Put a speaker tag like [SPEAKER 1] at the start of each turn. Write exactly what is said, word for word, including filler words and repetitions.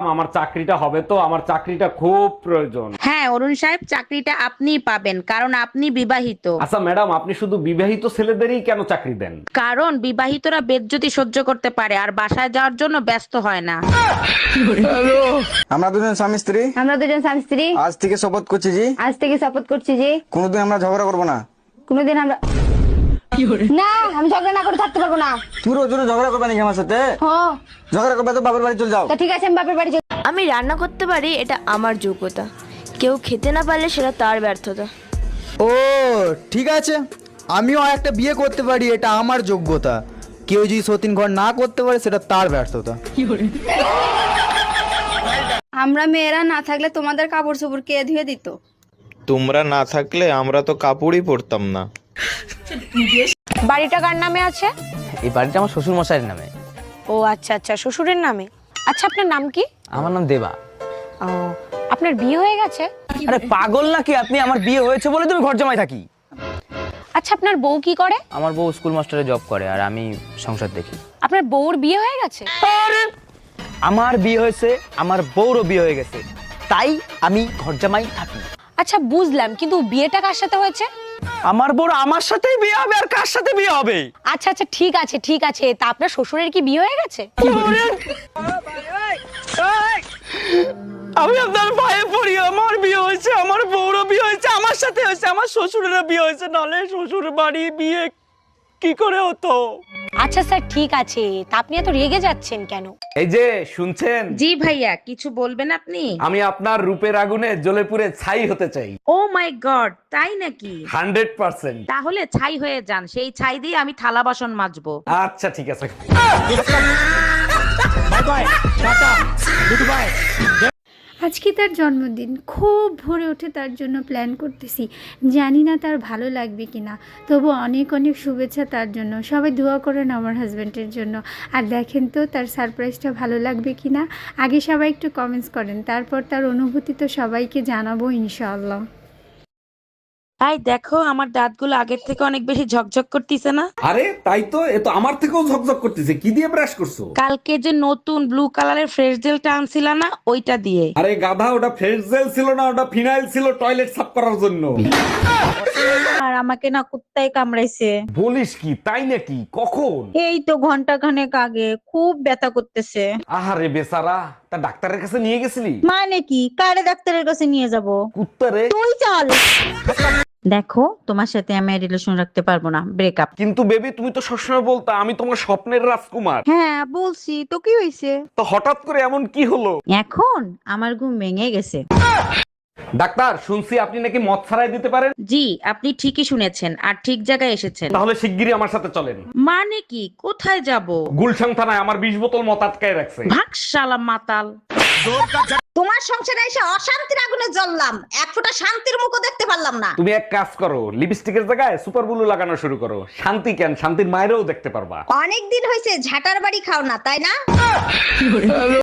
[SPEAKER 1] আমার চাকরিটা হবে তো, আমার চাকরিটা খুব প্রয়োজন।
[SPEAKER 2] হ্যাঁ অরুণ সাহেব, চাকরিটা আপনিই পাবেন, কারণ আপনি বিবাহিত।
[SPEAKER 1] আচ্ছা ম্যাডাম, আপনি শুধু বিবাহিত ছেলেদেরই কেন চাকরি দেন?
[SPEAKER 2] কারণ বিবাহিতরা বেজ্জতি সহ্য করতে পারে আর বাসায় যাওয়ার জন্য ব্যস্ত হয় না।
[SPEAKER 3] আমরা দুজন স্বামী স্ত্রী
[SPEAKER 4] আমরা দুজন স্বামী স্ত্রী
[SPEAKER 3] আজ থেকে শপথ করছি জি
[SPEAKER 4] আজ থেকে শপথ করছি যে
[SPEAKER 3] কোনোদিন আমরা ঝগড়া করবো না।
[SPEAKER 4] কোনোদিন আমরা না আমি ঝগড়া না করে থাকতে পারবো না।
[SPEAKER 3] তুমি রোজ রোজ ঝগড়া করবে নাকি আমার সাথে?
[SPEAKER 4] হ্যাঁ
[SPEAKER 3] ঝগড়া করবে তো বাবার বাড়ি চলে যাও।
[SPEAKER 4] তা ঠিক আছে, আমি বাপের বাড়ি চলে-
[SPEAKER 5] আমি রান্না করতে পারি, এটা আমার যোগ্যতা। কেউ খেতে না পারলে সেটা তার ব্যর্থতা।
[SPEAKER 6] ও ঠিক আছে, আমিও একটা বিয়ে করতে পারি, এটা আমার যোগ্যতা। কেউ যদি সতীন ঘর না করতে পারে সেটা তার ব্যর্থতা।
[SPEAKER 7] আমরা মেয়েরা না থাকলে তোমাদের কাপড় চোপড় কে ধুয়ে দিত?
[SPEAKER 8] তোমরা না থাকলে আমরা তো কাপড়ই পরতাম না।
[SPEAKER 5] বাড়িটা কার নামে আছে?
[SPEAKER 9] এই বাড়িটা আমার শ্বশুর মশাইয়ের নামে।
[SPEAKER 5] ও আচ্ছা আচ্ছা, শ্বশুরের নামে। আচ্ছা আপনার নাম কি?
[SPEAKER 9] আমার নাম দেবা।
[SPEAKER 5] ও, আপনার বিয়ে হয়ে গেছে?
[SPEAKER 9] আরে পাগল নাকি আপনি? আমার বিয়ে হয়েছে বলে তুমি ঘর জামাই থাকি।
[SPEAKER 5] আচ্ছা আপনার বউ কি করে?
[SPEAKER 9] আমার বউ স্কুল মাস্টারে জব করে আর আমি সংসার দেখি।
[SPEAKER 5] আপনার বউর বিয়ে হয়ে গেছে?
[SPEAKER 9] আমার বিয়ে হয়েছে, আমার বউরও বিয়ে হয়ে গেছে, তাই আমি ঘর জামাই থাকি।
[SPEAKER 5] আচ্ছা বুঝলাম, কিন্তু বিয়েটা কার সাথে হয়েছে?
[SPEAKER 9] আমার বউর আমার সাথেই বিয়ে হবে, আর কার সাথে বিয়ে হবে?
[SPEAKER 5] আচ্ছা আচ্ছা ঠিক আছে ঠিক আছে, তা আপনার শ্বশুরের কি বিয়ে হয়ে গেছে?
[SPEAKER 9] আমি আপনার পায়ে পড়ি, আমার বিয়ে হয়েছে, আমার বউরও বিয়ে হয়েছে, আমার সাথে হয়েছে, আমার শ্বশুরেরও বিয়ে হয়েছে, নালে শ্বশুর বাড়ি বিয়ে কি করে হতো?
[SPEAKER 5] আচ্ছা স্যার ঠিক আছে, তা আপনি এত রেগে যাচ্ছেন কেন?
[SPEAKER 1] এই যে শুনছেন,
[SPEAKER 2] জি ভাইয়া, কিছু বলবেন আপনি?
[SPEAKER 1] আমি আপনার রূপের আগুনে জ্বলে পুড়ে ছাই হতে চাই।
[SPEAKER 2] ও মাই গড, তাই নাকি?
[SPEAKER 1] Hundred percent.
[SPEAKER 2] তাহলে ছাই হয়ে যান, সেই ছাই দিয়ে আমি থালা বাসন মাজবো।
[SPEAKER 1] আচ্ছা ঠিক আছে।
[SPEAKER 10] আজকে তার জন্মদিন, খুব ভোরে উঠে তার জন্য প্ল্যান করতেছি। জানি না তার ভালো লাগবে কি না, তবু অনেক অনেক শুভেচ্ছা তার জন্য। সবাই দোয়া করেন আমার হাজব্যান্ডের জন্য। আর দেখেন তো তার সারপ্রাইজটা ভালো লাগবে কি না। আগে সবাই একটু কমেন্টস করেন, তারপর তার অনুভূতি তো সবাইকে জানাবো ইনশাআল্লাহ।
[SPEAKER 2] তাই দেখো, আমার দাঁতগুলো আগের থেকে অনেক বেশি ঝকঝক করতেছে না?
[SPEAKER 1] আরে তাই তো, এ তো আমার থেকেও ঝকঝক করতেছে। কি দিয়ে ব্রাশ করছো?
[SPEAKER 2] কালকে যে নতুন ব্লু কালারের ফ্রেশ জেলটা আনছিলা না, ওইটা দিয়ে।
[SPEAKER 1] আরে গাধা, ওটা ফ্রেশ জেল ছিল না, ওটা ফিনাইল ছিল টয়লেট সাফ করার জন্য।
[SPEAKER 2] আর আমাকে না কুত্তায় কামড়াইছে।
[SPEAKER 1] বলিস কি, তাই নাকি? কখন?
[SPEAKER 2] এই তো ঘন্টা খানেক আগে, খুব ব্যথা করতেছে।
[SPEAKER 1] আহারে বেচারা, তা ডাক্তারের কাছে নিয়ে গেছিলি?
[SPEAKER 2] মানে কি, কারে ডাক্তারের কাছে নিয়ে যাব?
[SPEAKER 1] কুত্তারে।
[SPEAKER 2] তুই চল। দেখো, তোমার সাথে আমি রিলেশন রাখতে পারবো না, ব্রেকআপ।
[SPEAKER 1] কিন্তু বেবি, তুমি তো সবসময় বলতা আমি তোমার স্বপ্নের রাজকুমার।
[SPEAKER 2] হ্যাঁ বলছি তো, কি হয়েছে?
[SPEAKER 1] তো হঠাৎ করে এমন কি হলো?
[SPEAKER 2] এখন আমার ঘুম ভেঙে গেছে।
[SPEAKER 1] ডাক্তার, শুনছি আপনি নাকি মদ ছাড়াই দিতে পারেন।
[SPEAKER 2] জি, আপনি ঠিকই শুনেছেন, আর ঠিক জায়গায় এসেছেন।
[SPEAKER 1] তাহলে শিগগিরই আমার সাথে চলেন।
[SPEAKER 2] মানে কি, কোথায় যাব?
[SPEAKER 1] গুলশান থানায় আমার বিশ বোতল মদ আটকায় রাখছে।
[SPEAKER 2] ভাগ শালা মাতাল।
[SPEAKER 4] তোমার সংসারে এসে অশান্তির আগুনে জ্বললাম, এক ফোঁটা শান্তির মুখও দেখতে পারলাম না।
[SPEAKER 1] তুমি এক কাজ করো, লিপস্টিকের জায়গায় সুপার ব্লু লাগানো শুরু করো। শান্তি কেন, শান্তির মায়েরও দেখতে পারবা।
[SPEAKER 4] অনেক দিন হয়েছে ঝাটার বাড়ি খাও না, তাই না?